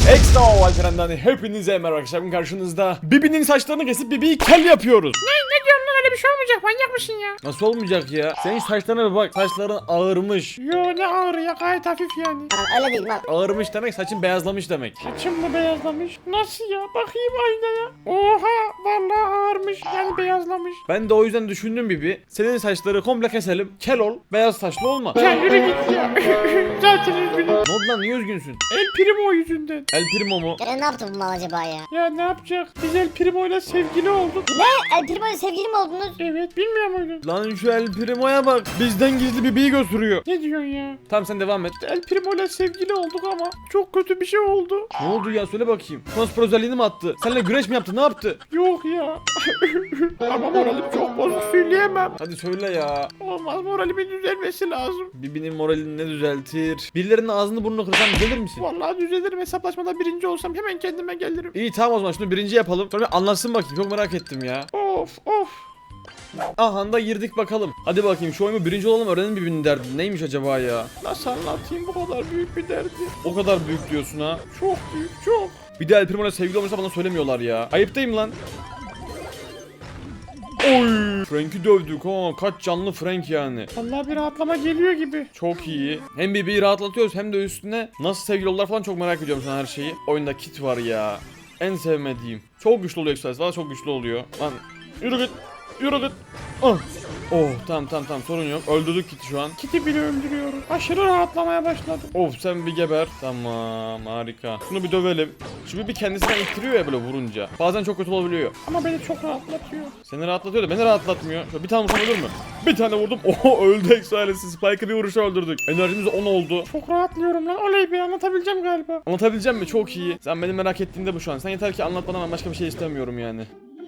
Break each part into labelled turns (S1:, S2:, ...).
S1: Extra Alperen'den hepinize merhaba arkadaşlar. Bugün karşınızda Bibi'nin saçlarını kesip Bibi'yi kel yapıyoruz.
S2: Ne diyorsun lan, öyle bir şey olmayacak, manyak mısın ya?
S1: Nasıl olmayacak ya? Senin saçlarına bir bak, saçların ağırmış.
S2: Yo, ne ağır ya, gayet hafif yani.
S3: Lan öyle değil lan.
S1: Ağırmış demek saçın beyazlamış demek.
S2: Saçım mı beyazlamış? Nasıl ya, bakayım aynaya. Oha, vallahi ağırmış yani, beyazlamış.
S1: Ben de o yüzden düşündüm Bibi. Senin saçları komple keselim, kel ol, beyaz saçlı olma.
S2: Ya yürü git ya. Zaten üzgünüm.
S1: Ne oldu lan, niye üzgünsün?
S2: El Primo yüzünden.
S1: El Primo mu?
S3: Ya ne yaptı bu mal acaba ya?
S2: Ya ne yapacak? Biz El Primo'yla sevgili olduk.
S3: Ne? El Primo'yla sevgili mi oldunuz?
S2: Evet, bilmiyor muydun?
S1: Lan şu El Primo'ya bak, bizden gizli Bibi'yi gösteriyor.
S2: Ne diyorsun ya?
S1: Tamam sen devam et.
S2: El Primo'yla sevgili olduk ama çok kötü bir şey oldu.
S1: Ne oldu ya, söyle bakayım. Konspor özelliğini mi attı? Seninle güreş mi yaptı, ne yaptı?
S2: Yok ya. Ama moralim çok bozuk, söyleyemem.
S1: Hadi söyle ya.
S2: Olmaz, moralimin düzelmesi lazım.
S1: Bibi'nin moralini ne düzeltir? Birilerinin ağzını burnunu kırsam gelir misin?
S2: Vallahi düzelirim, hesaplaşmada birinci olsam hemen kendime gelirim.
S1: İyi tamam, o zaman şunu birinci yapalım. Sonra bir anlatsın bakayım, çok merak ettim ya.
S2: Of of.
S1: Aha da girdik bakalım. Hadi bakayım şu oyunu birinci olalım, öğrenin Bibi'nin derdi. Neymiş acaba ya?
S2: Nasıl anlatayım, bu kadar büyük bir derdi.
S1: O kadar büyük diyorsun ha.
S2: Çok büyük, çok.
S1: Bir de El Primo'yla sevgili olmuşsa bana söylemiyorlar ya. Ayıptayım lan. Oy! Frank'i dövdük ha. Kaç canlı Frank yani.
S2: Vallahi bir rahatlama geliyor gibi.
S1: Çok iyi. Hem Bibi'yi rahatlatıyoruz hem de üstüne nasıl sevgili oldular falan, çok merak ediyorum şu an her şeyi. Oyunda kit var ya. En sevmediğim. Çok güçlü oluyor Express. Valla çok güçlü oluyor. Lan yürü git. Yürü git. Ah. Oh tamam sorun yok. Öldürdük kiti şu an.
S2: Kit'i bile öldürüyoruz. Aşırı rahatlamaya başladım.
S1: Of sen bir geber. Tamam harika. Şunu bir dövelim. Şu bir kendisinden ittiriyor ya böyle vurunca. Bazen çok kötü olabiliyor.
S2: Ama beni çok rahatlatıyor.
S1: Seni rahatlatıyor da beni rahatlatmıyor. Şöyle bir tane vursam ölür mü? Bir tane vurdum. Oho öldü Express'i. Spike'ı bir vuruşa öldürdük. Enerjimiz 10 oldu.
S2: Çok rahatlıyorum lan. Oley be, anlatabileceğim galiba.
S1: Anlatabileceğim mi? Çok iyi. Sen benim merak ettiğinde bu şu an. Sen yeter ki anlat bana, ben başka bir şey istemiyorum yani.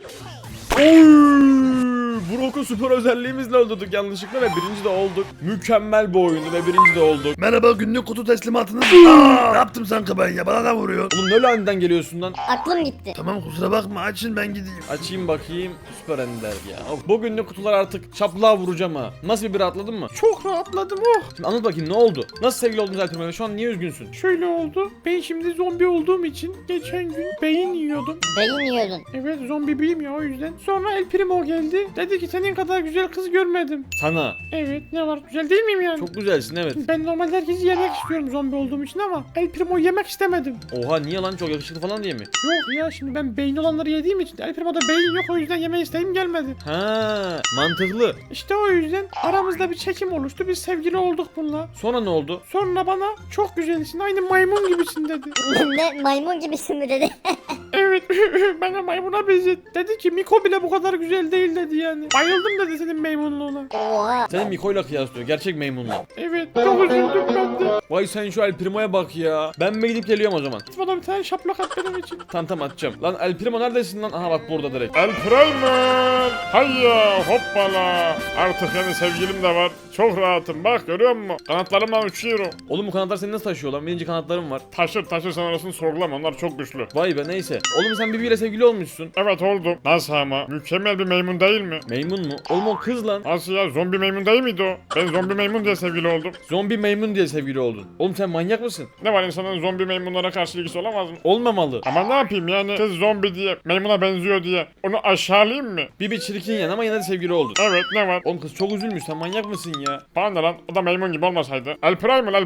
S1: Oy! Brock'u süper özelliğimizle öldürdük yanlışlıkla ve birinci de olduk. Mükemmel bir oyundu ve birinci de olduk.
S4: Merhaba, günlük kutu teslimatınız. Ne yaptım sanki ben ya? Bana da vuruyor.
S1: Oğlum ne lanetten geliyorsun lan?
S3: Aklım gitti.
S4: Tamam, kusura bakma, açın ben gideyim.
S1: Açayım bakayım. Süper ender ya. Of, bugünlük kutular artık şaplığa vuracağım ha. Nasıl bir rahatladın mı?
S2: Çok rahatladım, oh.
S1: Şimdi anlat bakayım, ne oldu? Nasıl sevgili oldunuz Alper'le? Şu an niye üzgünsün?
S2: Şöyle oldu. Ben şimdi zombi olduğum için geçen gün beyin yiyordum.
S3: Beyin yiyordun.
S2: Evet, zombi biyim ya, o yüzden. Sonra El Primo geldi. Dedi ki senin kadar güzel kız görmedim.
S1: Sana.
S2: Evet, ne var, güzel değil miyim yani?
S1: Çok güzelsin evet.
S2: Ben normalde herkesi yemek istiyorum zombi olduğum için ama El Primo'yu yemek istemedim.
S1: Oha niye lan, çok yakışıklı falan diye mi?
S2: Yok ya, şimdi ben beyin olanları yediğim için El Primo'da beyin yok, o yüzden yeme isteğim gelmedi.
S1: Ha, mantıklı.
S2: İşte o yüzden aramızda bir çekim oluştu, biz sevgili olduk bununla.
S1: Sonra ne oldu?
S2: Sonra bana çok güzelsin, aynı maymun gibisin dedi.
S3: Ne, maymun gibisin mi dedi.
S2: Evet, bana maymuna benzet. Dedi ki Miko bile bu kadar güzel değil dedi yani. Bayıldım dedi senin maymunluğuna.
S3: Oha.
S1: Seni Miko'yla kıyaslıyor, gerçek maymunla.
S2: Evet, çok üzüldüm ben de.
S1: Vay sen şu El Primo'ya bak ya. Ben mi gidip geliyorum o zaman?
S2: Bana bir tane şaplak at benim için.
S1: Tamam atacağım. Lan El Primo neredesin lan? Aha bak burada direkt.
S5: El Primer! Hayya hoppala! Artık yani sevgilim de var. Çok rahatım bak, görüyor musun? Kanatlarımla uçuyorum.
S1: Oğlum bu kanatlar seni nasıl taşıyor lan? Benim kanatlarım var.
S5: Taşır sen orasını sorgulama, onlar çok güçlü.
S1: Vay be neyse. Oğlum sen Bibi'yle sevgili olmuşsun.
S5: Evet oldum. Nasıl ama? Mükemmel bir maymun değil mi?
S1: Maymun mu? Oğlum o kız lan.
S5: Nasıl ya, zombi maymun değil miydi o? Ben zombi maymun diye sevgili oldum.
S1: Zombi maymun diye sevgili oldun. Oğlum sen manyak mısın?
S5: Ne var, insanın zombi maymunlara karşı ilgisi olamaz mı?
S1: Olmamalı.
S5: Ama ne yapayım yani, kız zombi diye, maymuna benziyor diye onu aşağılayayım mı?
S1: Bibi çirkin yani ama yine de sevgili oldun.
S5: Evet, ne var?
S1: Oğlum kız çok üzülmüş, sen manyak mısın ya?
S5: Bana ne lan, o da maymun gibi olmasaydı. El Primal.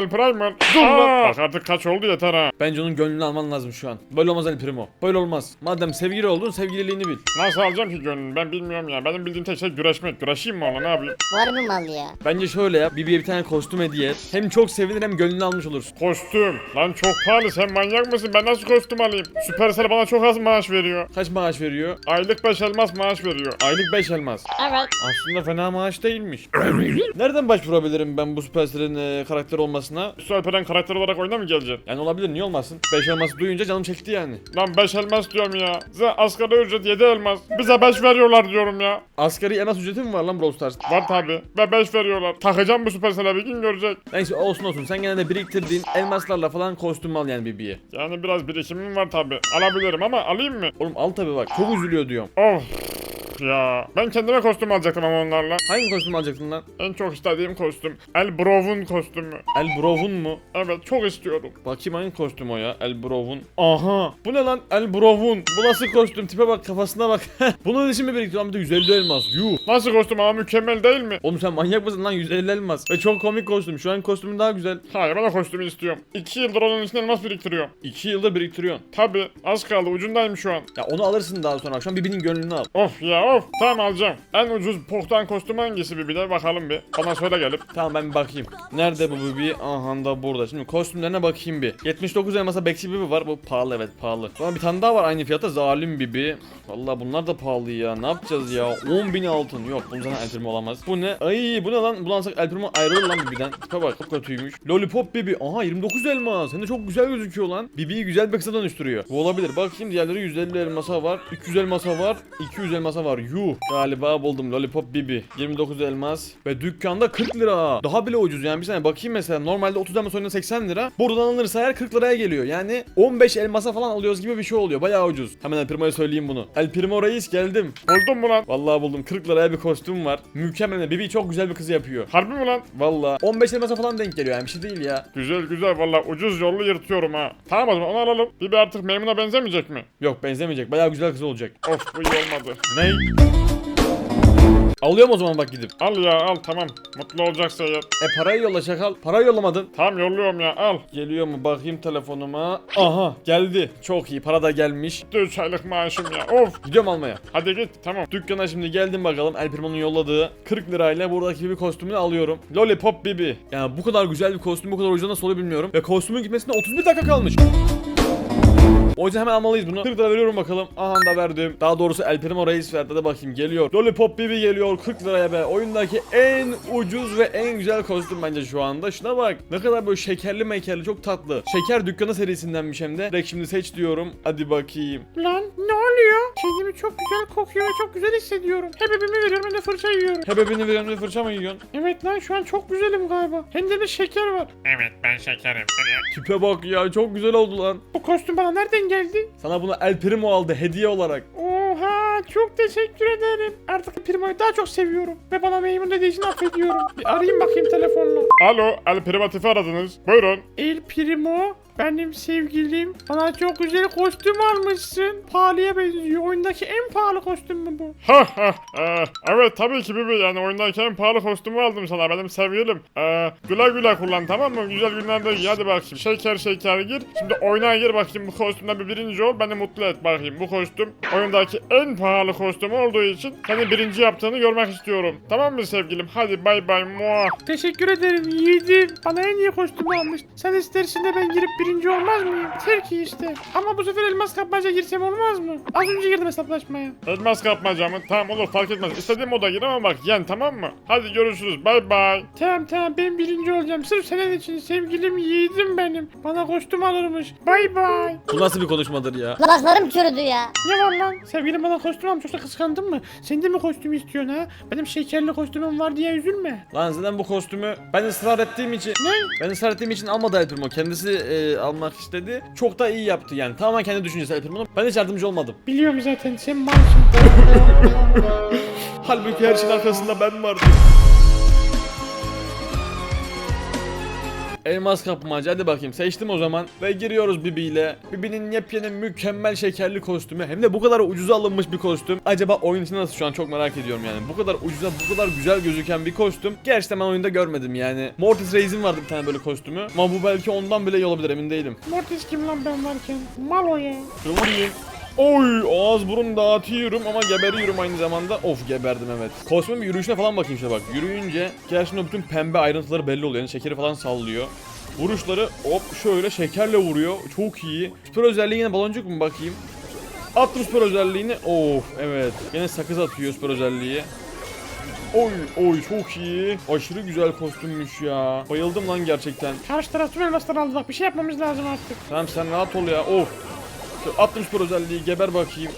S1: Dur lan.
S5: Bak artık kaç oldu, yeter ha.
S1: Bence onun gönlünü alman lazım şu an. Böyle olmaz El Primo. Böyle olmaz. Madem sevgili oldun, sevgililiğini bil.
S5: Nasıl alacağım ki gönlünü, ben bilmiyorum ya. Benim bildiğim tek şey güreşmek. Güreşeyim mi ona, ne yapayım?
S3: Var mı mal ya?
S1: Bence şöyle yap. Bibi'ye bir tane kostüm hediye et. Hem çok sevinir hem gönlünü almış olursun.
S5: Kostüm. Lan çok pahalı, sen manyak mısın? Ben nasıl kostüm alayım? Supercell bana çok az maaş veriyor.
S1: Kaç maaş veriyor?
S5: Aylık 5 elmas maaş veriyor.
S1: Aylık 5 elmas.
S3: Evet.
S1: Aslında fena maaş değilmiş. Nereden başvurabilirim ben bu Supercell'in karakter olmasına?
S5: Supercell'den karakter olarak oyuna mı geleceksin?
S1: Yani olabilir, niye olmasın? 5 elması duyunca canım çekti yani.
S5: Lan 5 elmas diyorum ya. Size asgari ücret 7 elmas. Bize 5 veriyorlar diyorum ya.
S1: Asgari elmas ücreti mi var lan Brawl Stars?
S5: Var tabi. Ve 5 veriyorlar. Takacağım bu Supercell'e, bir gün görecek.
S1: Neyse olsun sen gene de biriktirdiğin elmaslarla falan kostüm al yani Bibi'ye.
S5: Yani biraz birikimim var tabi. Alabilirim ama alayım mı?
S1: Oğlum al tabi bak, çok üzülüyor diyorum.
S5: Of. Of ya. Ben kendime kostüm alacaktım ama onlarla.
S1: Hangi kostüm alacaktın lan?
S5: En çok istediğim kostüm. Elbrov'un kostümü.
S1: Elbrov'un mu?
S5: Evet çok istiyorum.
S1: Bakayım hangi kostüm o ya? Elbrov'un. Aha. Bu ne lan? Elbrov'un. Bu nasıl kostüm? Tipe bak, kafasına bak. Bunun için mi biriktiriyor? Bir de 150 elmas. Yuh.
S5: Nasıl kostüm ama mükemmel değil mi?
S1: Oğlum sen manyak mısın lan? 150 elmas. Ve çok komik kostüm. Şu an kostümün daha güzel.
S5: Hayır ben o kostümü istiyorum. 2 yıldır onun için elmas biriktiriyorum.
S1: 2 yılda biriktiriyorsun.
S5: Tabi az kaldı ucundayım şu an.
S1: Ya onu alırsın daha sonra. Şu an Bibi'nin gönlünü al.
S5: Of ya of. Tamam alacağım. En ucuz pohtan kostüm hangisi bir de bakalım bir. Bana söyle gelip.
S1: Tamam ben bir bakayım. Nerede bu Bibi? Aha da burada. Şimdi kostümlerine bakayım bir. 79 elmasa Bexi Bibi var. Bu pahalı, evet pahalı. Ama bir tane daha var aynı fiyata. Zalim Bibi. Vallahi bunlar da pahalı ya. Ne yapacağız ya? 10.000 altın. Yok bunun zaten El Primo olamaz. Bu ne? Ay bu ne lan? Bunu alsak El Primo ayrılır lan Bibi'den. Tipe bak çok kötüymüş. Lollipop Bibi. Aha 29 elmas. Hem de çok güzel gözüküyor lan. Bibi'yi güzel bir kısa dönüştürüyor. Bu olabilir. Bakayım diğerleri 150 elmasa var. 300 elmasa var. 200 elmasa var. Yuh. Galiba buldum. Lollipop Bibi. 29 elmas. Ve dükkanda 40 lira. Daha bile ucuz yani. Bir saniye bakayım mesela. Normalde 30 elmas oyunda 80 lira. Buradan alınırsa eğer 40 liraya geliyor. Yani 15 elmasa falan alıyoruz gibi bir şey oluyor. Bayağı ucuz. Hemen El Primo'ya söyleyeyim bunu. El Primo reis geldim.
S5: Buldun mu lan?
S1: Vallahi buldum. 40 liraya bir kostüm var. Mükemmel. Bibi çok güzel bir kız yapıyor.
S5: Harbi mi lan?
S1: Vallahi 15 elmasa falan denk geliyor yani, bir şey değil ya.
S5: Güzel güzel valla ucuz yollu yırtıyorum ha. Tamam o zaman onu alalım. Bibi artık Maymun'a benzemeyecek mi?
S1: Yok benzemeyecek. Bayağı güzel kız olacak.
S5: Of bu iyi olmadı.
S1: Ney? Alıyorum o zaman bak gidip.
S5: Al ya al tamam. Mutlu olacaksa eğer.
S1: Parayı yolla çakal. Parayı yollamadın.
S5: Tamam yolluyorum ya al.
S1: Geliyor mu bakayım telefonuma. Aha geldi. Çok iyi, para da gelmiş.
S5: 3 aylık maaşım ya of.
S1: Gidiyorum almaya.
S5: Hadi git tamam.
S1: Dükkana şimdi geldim bakalım. El Primo'nun yolladığı 40 lirayla buradaki bir kostümünü alıyorum. Lollipop Bibi. Yani bu kadar güzel bir kostüm bu kadar ucuza nasıl oluyor bilmiyorum. Ve kostümün gitmesine 31 dakika kalmış. O yüzden hemen almalıyız bunu. 40 lira veriyorum bakalım. Aha da verdim. Daha doğrusu El Primo reis verdi de bakayım geliyor. Lollipop Bibi geliyor 40 liraya be. Oyundaki en ucuz ve en güzel kostüm bence şu anda. Şuna bak. Ne kadar böyle şekerli mekerli, çok tatlı. Şeker Dükkanı serisindenmiş hem de. Direkt şimdi seç diyorum. Hadi bakayım.
S2: Lan ne oluyor? Kendimi çok güzel kokuyor ve çok güzel hissediyorum. Hebebimi veriyorum hem de fırça yiyorum.
S1: Hebebini veren bir fırça mı yiyorsun?
S2: Evet lan şu an çok güzelim galiba. Hem de bir şeker var.
S5: Evet ben şekerim.
S1: Tipe bak ya, çok güzel oldu lan.
S2: Bu kostüm bana nereden geldi?
S1: Sana bunu El Primo aldı hediye olarak.
S2: Oha çok teşekkür ederim. Artık Primo'yu daha çok seviyorum. Ve bana Maymun dediği için affediyorum. Bir arayayım bakayım telefonla.
S5: Alo El Primotif'i aradınız. Buyurun.
S2: El Primo benim sevgilim. Bana çok güzel kostüm almışsın. Pahalıya benziyor. Oyundaki en pahalı kostüm mü bu?
S5: Ha ha. Evet tabii ki Bibi yani oyundaki en pahalı kostümü aldım sana benim sevgilim. Güle güle kullan tamam mı? Güzel günlerde giy hadi bakayım. Şeker şeker gir. Şimdi oyuna gir bakayım bu kostümden bir birinci ol. Beni mutlu et bakayım. Bu kostüm oyundaki en pahalı kostüm olduğu için seni birinci yaptığını görmek istiyorum. Tamam mı sevgilim? Hadi bay bay muah.
S2: Teşekkür ederim yiğidim. Bana en iyi kostümü almış. Sen istersin de ben girip birinci olmaz mıyım? Yeter ki işte. Ama bu sefer elmas kapmaca girsem olmaz mı? Az önce girdim hesaplaşmaya.
S5: Elmas kapmaca mı? Tamam olur fark etmez. İstediğim moda gir ama bak yen tamam mı? Hadi görüşürüz bay bay.
S2: Tamam ben birinci olacağım. Sırf senin için sevgilim yiğidim benim. Bana kostüm alırmış. Bay bay.
S1: Bu nasıl bir konuşmadır ya?
S3: Kulaklarım çürüdü ya.
S2: Ne var lan? Sevgilim bana kostüm almış yoksa kıskandın mı? Sen de mi kostüm istiyorsun ha? Benim şekerli kostümüm var diye üzülme.
S1: Lan zaten bu kostümü ben ısrar ettiğim için almadı El Primo. Kendisi almak istedi. Çok da iyi yaptı yani. Tamamen kendi düşüncesi El Primo'nun. Ben hiç yardımcı olmadım.
S2: Biliyorum zaten sen malsın.
S1: Halbuki her şeyin arkasında ben vardım. Elmas kapmacı, hadi bakayım seçtim o zaman ve giriyoruz Bibi ile. Bibi'nin yepyeni mükemmel şekerli kostümü, hem de bu kadar ucuza alınmış bir kostüm. Acaba oyun için nasıl, şu an çok merak ediyorum yani. Bu kadar ucuza bu kadar güzel gözüken bir kostüm gerçekten ben oyunda görmedim yani. Mortis Reis'in vardı bir tane böyle kostümü ama bu belki ondan bile iyi olabilir, emin değilim.
S2: Mortis kim lan ben varken? Mal o ya.
S1: Şöyle vurayım. Oy, ağız burun dağıtıyorum ama geberiyorum aynı zamanda. Of, geberdim evet. Kostümün bir yürüyüşüne falan bakayım işte bak. Yürüyünce gerçekten bütün pembe ayrıntıları belli oluyor. Yani şekeri falan sallıyor. Vuruşları hop şöyle şekerle vuruyor. Çok iyi. Süper özelliği yine baloncuk mu bakayım? Attım süper özelliğini. Of evet. Yine sakız atıyor süper özelliği. Oy çok iyi. Aşırı güzel kostümmüş ya. Bayıldım lan gerçekten.
S2: Karşı taraf tüm elmasları aldı bak bir şey yapmamız lazım artık.
S1: Tamam sen rahat ol ya. Of. Attım süper özelliği, geber bakayım.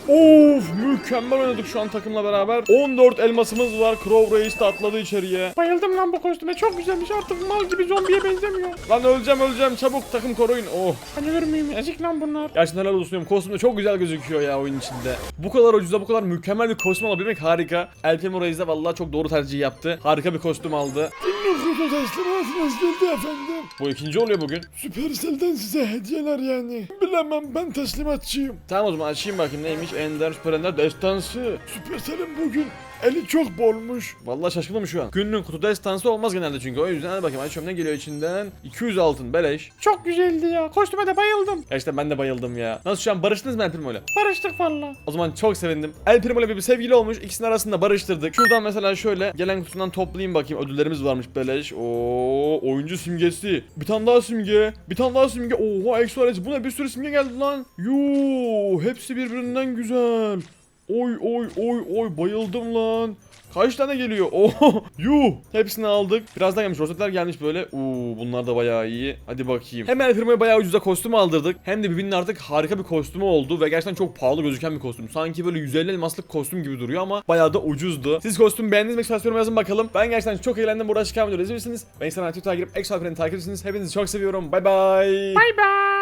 S1: Of mükemmel oynadık şu an takımla beraber. 14 elmasımız var. Crow Reis de atladı içeriye.
S2: Bayıldım lan bu kostüme. Çok güzelmiş. Artık mal gibi zombiye benzemiyor.
S1: Lan öleceğim çabuk takım koruyun. Oh.
S2: Ben ölür müyüm? Ezik lan bunlar.
S1: Gerçekten helal olsun diyorum. Kostüm de çok güzel gözüküyor ya oyun içinde. Bu kadar ucuza bu kadar mükemmel bir kostüm alabilmek harika. El Primo Reis de vallahi çok doğru tercih yaptı. Harika bir kostüm aldı.
S4: Kutu teslimatınız geldi efendim.
S1: Bu ikinci oluyor bugün.
S4: Supercell'den size hediyeler yani. Bilemem ben teslimatçıyım.
S1: Tamam o zaman açayım bakayım neymiş. Ender Süper Ender Destansı.
S4: Supercell'in bugün eli çok bolmuş.
S1: Vallahi şaşkınım şu an. Günlük kutu destansı olmaz genelde çünkü. O yüzden hadi bakayım açıyorum ne geliyor içinden. 200 altın beleş.
S2: Çok güzeldi ya. Kostüme de bayıldım.
S1: İşte ben de bayıldım ya. Nasıl şu an barıştınız mı El Primo'yla?
S2: Barıştık valla.
S1: O zaman çok sevindim. El Primo'yla bir sevgili olmuş. İkisinin arasında barıştırdık. Şuradan mesela şöyle gelen kutusundan toplayayım bakayım. Ödüllerimiz varmış beleş. Oo, oyuncu simgesi. Bir tane daha simge. Bir tane daha simge. Oha Exoales. Bu ne bir sürü simge geldi lan. Yoo, hepsi birbirinden güzel. Oy bayıldım lan. Kaç tane geliyor? Oh, yuh. Hepsini aldık. Birazdan gelmiş. Rosetler gelmiş böyle. Bunlar da bayağı iyi. Hadi bakayım. Hem El Primo'ya bayağı ucuza kostüm aldırdık. Hem de birbirinin artık harika bir kostümü oldu. Ve gerçekten çok pahalı gözüken bir kostüm. Sanki böyle 150 elmaslık kostüm gibi duruyor ama bayağı da ucuzdu. Siz kostüm beğendiniz mi? Ekstra yazın bakalım. Ben gerçekten çok eğlendim. Burada çıkan videoları izlemişsiniz. Ben Instagram Twitter'a girip Extra Friend'i takip ediyorsunuz. Hepinizi çok seviyorum. Bay bay.
S2: Bay bay.